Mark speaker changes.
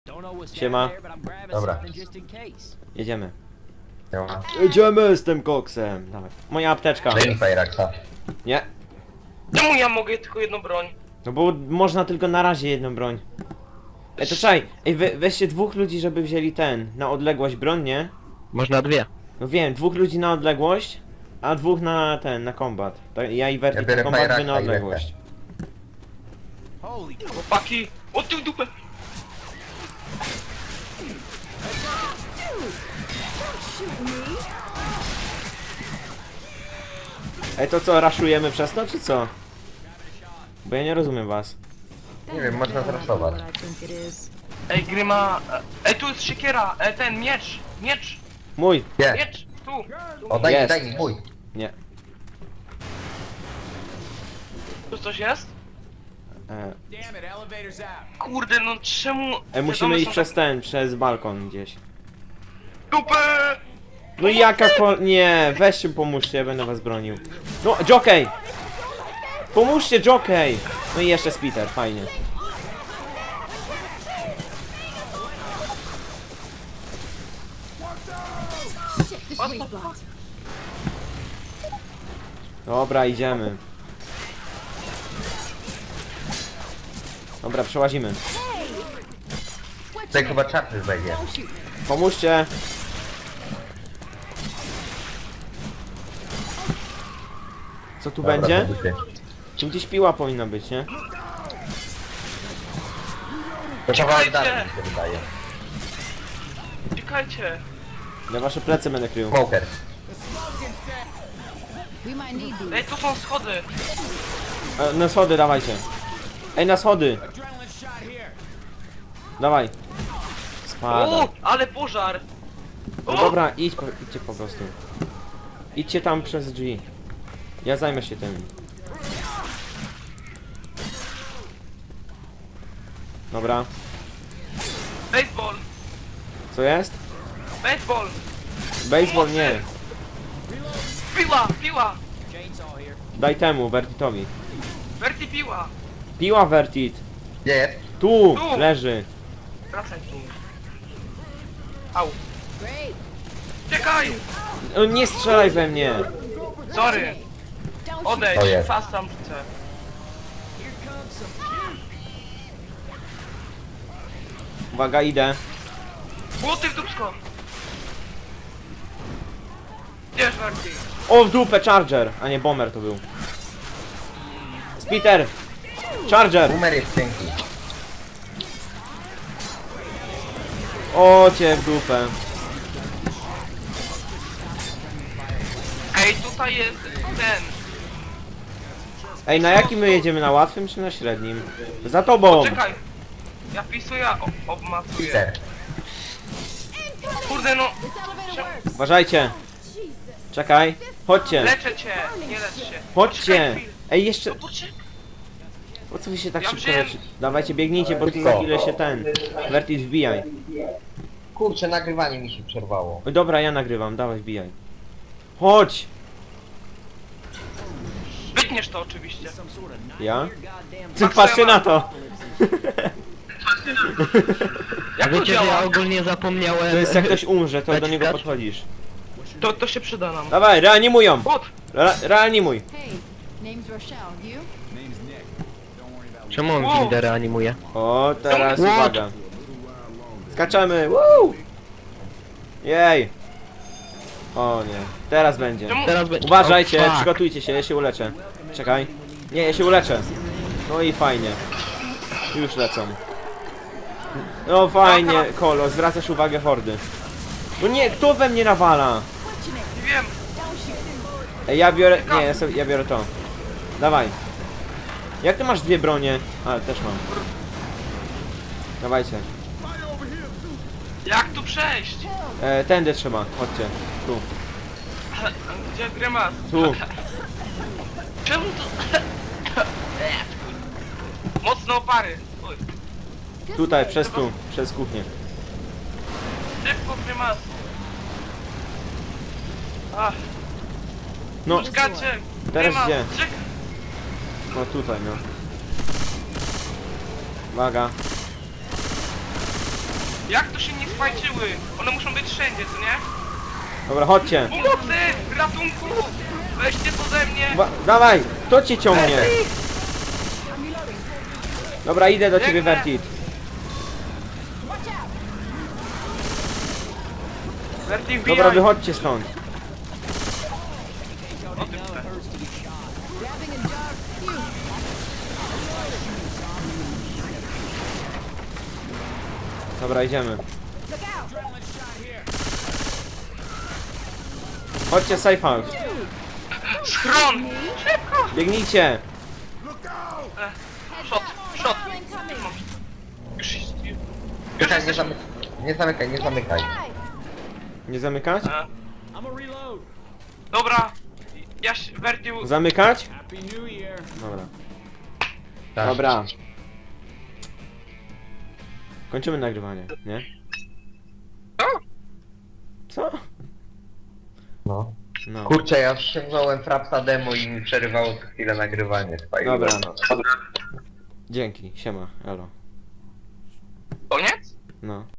Speaker 1: Siema.
Speaker 2: Dobra.
Speaker 1: Jedziemy.
Speaker 2: Siema.
Speaker 1: Jedziemy z tym koksem. Dawaj. Moja apteczka.
Speaker 2: Daj mi Fajraksa.
Speaker 1: Nie.
Speaker 3: Czemu ja mogę tylko jedną broń?
Speaker 1: No bo można tylko na razie jedną broń. Ej, to czaj. Ej, weźcie dwóch ludzi, żeby wzięli ten. Na odległość broń, nie?
Speaker 4: Można dwie.
Speaker 1: No wiem, dwóch ludzi na odległość, a dwóch na ten, na kombat. Ja i
Speaker 2: Ja
Speaker 1: Verti
Speaker 2: biorę
Speaker 1: na kombat, wy
Speaker 2: Fajraksa
Speaker 1: na
Speaker 2: i
Speaker 1: odległość.
Speaker 3: Chłopaki! O ty w dupę!
Speaker 1: Ej, to co, raszujemy przez to, czy co? Bo ja nie rozumiem was.
Speaker 2: Nie wiem, można zraszować.
Speaker 3: Ej, Gryma... Ej, tu jest siekiera! Ten, miecz! Miecz!
Speaker 1: Mój!
Speaker 2: Nie.
Speaker 3: Miecz! Tu!
Speaker 2: O, daj mi,
Speaker 1: Jest.
Speaker 2: daj mi, mój.
Speaker 1: Nie.
Speaker 3: Tu coś jest?
Speaker 1: E,
Speaker 3: Kurde, no czemu...
Speaker 1: musimy
Speaker 3: wiadomo,
Speaker 1: iść
Speaker 3: są
Speaker 1: przez ten, przez balkon gdzieś.
Speaker 3: Dupę!
Speaker 1: No i jaka Nie, weźcie pomóżcie, ja będę was bronił. No, Jockey! Pomóżcie, Jockey! No i jeszcze Spiter, fajnie. Dobra, idziemy. Dobra, przełazimy.
Speaker 2: Tutaj chyba czarny wejdzie.
Speaker 1: Pomóżcie! Co tu
Speaker 2: Dobra,
Speaker 1: będzie?
Speaker 2: to ty.
Speaker 1: Tu gdzieś piła powinna być, nie?
Speaker 2: To kawałek
Speaker 3: Czekajcie!
Speaker 2: dalej mi się wydaje.
Speaker 3: Czekajcie!
Speaker 1: Ja wasze plecy będę krył.
Speaker 2: Smoker.
Speaker 3: Ej, tu są schody!
Speaker 1: Na schody dawajcie. Ej, na schody! Dawaj. Spada.
Speaker 3: O, ale pożar!
Speaker 1: No dobra, idźcie po prostu. Idźcie tam przez drzwi. Ja zajmę się tym. Dobra.
Speaker 3: Baseball!
Speaker 1: Co jest?
Speaker 3: Baseball!
Speaker 1: Baseball nie.
Speaker 3: Piła! Piła!
Speaker 1: Daj temu, Vertitowi.
Speaker 3: Verti piła!
Speaker 1: Piła Vertit.
Speaker 2: Gdzie jest?
Speaker 1: Tu!
Speaker 3: Tu.
Speaker 1: Leży.
Speaker 3: Wracaj tu! Au! Czekaj!
Speaker 1: O, nie strzelaj we mnie.
Speaker 3: Sorry! Odejdź!
Speaker 2: O jest.
Speaker 3: Fast tam rzucę!
Speaker 1: Uwaga, idę.
Speaker 3: Błoty w dupsko! Gdzież Verti?
Speaker 1: O, w dupę, Charger! A nie, Bomber to był. Spiter! Charger!
Speaker 2: Boomer jest cienki.
Speaker 1: O, cię w dupę.
Speaker 3: Ej, tutaj jest ten!
Speaker 1: Ej, na jakim my jedziemy? Na łatwym czy na średnim? Za tobą!
Speaker 3: Czekaj! Ja wpisuję, obmacuję.
Speaker 2: Peter.
Speaker 3: Kurde no!
Speaker 1: Uważajcie! Czekaj! Chodźcie!
Speaker 3: Leczę cię! Nie lecz się!
Speaker 1: Chodźcie!
Speaker 3: Poczekaj chwilę.
Speaker 1: Ej, jeszcze...
Speaker 3: No poczekaj!
Speaker 1: Po co wy się tak
Speaker 3: Ja
Speaker 1: szybko
Speaker 3: wziąłem-
Speaker 1: leczy? Dawajcie, biegnijcie, bo tu za
Speaker 2: Szybko.
Speaker 1: chwilę się ten... Vertit wbijaj.
Speaker 2: Kurczę, nagrywanie mi się przerwało.
Speaker 1: Oj, dobra, ja nagrywam, dawaj, wbijaj. Chodź!
Speaker 3: Wytniesz to oczywiście.
Speaker 1: Ja? Ty patrzcie na to!
Speaker 3: Jak to
Speaker 4: Wiecie, że ja
Speaker 3: działa?
Speaker 4: ogólnie zapomniałem...
Speaker 1: To jest jak ktoś umrze, to do niego
Speaker 4: Dać?
Speaker 1: podchodzisz.
Speaker 3: To się przyda nam.
Speaker 1: Dawaj, reanimują!
Speaker 3: Bot!
Speaker 1: Reanimuj!
Speaker 5: Hey, name's Rochelle. You?
Speaker 4: Czemu on
Speaker 3: Wow.
Speaker 4: Gildę reanimuje?
Speaker 1: O, teraz
Speaker 4: What?
Speaker 1: uwaga. Skaczemy! Woo! Jej! O nie, teraz będzie.
Speaker 3: Czemu?
Speaker 4: Teraz będzie...
Speaker 1: Uważajcie,
Speaker 4: Oh, fuck.
Speaker 1: przygotujcie się, ja się uleczę. Czekaj. Nie, ja się uleczę. No i fajnie. Już lecą. No fajnie, Kolo, zwracasz uwagę hordy. No nie, kto we mnie nawala?
Speaker 3: Nie wiem.
Speaker 1: Ej, ja biorę... Nie, ja biorę to. Dawaj. Jak ty masz dwie bronie? A, też mam. Dawajcie.
Speaker 3: Jak tu przejść?
Speaker 1: Tędy trzeba, chodźcie. Tu.
Speaker 3: Gdzie Grymas?
Speaker 1: Tu.
Speaker 3: Czemu to... Mocno opary. Oj.
Speaker 1: Tutaj, przez kuchnię.
Speaker 3: Szybko Grymas. Ach,
Speaker 1: No,
Speaker 3: skacze.
Speaker 1: teraz
Speaker 3: Grymas,
Speaker 1: gdzie?
Speaker 3: czekaj.
Speaker 1: No tutaj, no. Uwaga.
Speaker 3: Jak to się nie spajczyły? One muszą być wszędzie, co nie?
Speaker 1: Dobra, chodźcie.
Speaker 3: Pomocy! Ratunku! Weźcie to ze mnie!
Speaker 1: Dawaj! Kto cię ciągnie? Dobra, idę do ciebie,
Speaker 3: Biegnę.
Speaker 1: Vertit.
Speaker 3: Verti,
Speaker 1: Dobra,
Speaker 3: wbijaj!
Speaker 1: wychodźcie stąd.
Speaker 3: O tym chcę.
Speaker 5: Grabbing a jog. Phew.
Speaker 1: Dobra, idziemy.
Speaker 5: Look out.
Speaker 1: Chodźcie, safe house.
Speaker 3: Schron! Szybko!
Speaker 1: Biegnijcie.
Speaker 3: Shot! Shot!
Speaker 5: Incoming.
Speaker 3: Już jest...
Speaker 2: Czekaj, nie zamykaj, nie zamykaj.
Speaker 5: Die.
Speaker 1: Nie zamykać?
Speaker 3: E. Dobra! Ja się... Verti...
Speaker 1: Zamykać? Dobra.
Speaker 2: Tak.
Speaker 1: Dobra. Kończymy nagrywanie, nie? Co?
Speaker 2: No.
Speaker 1: No.
Speaker 2: Kurczę, ja ściągnąłem Frapsa demo i mi przerywało co chwilę nagrywanie. Spajłem.
Speaker 1: Dobra. Dzięki, siema, elo.
Speaker 3: Koniec?
Speaker 1: No.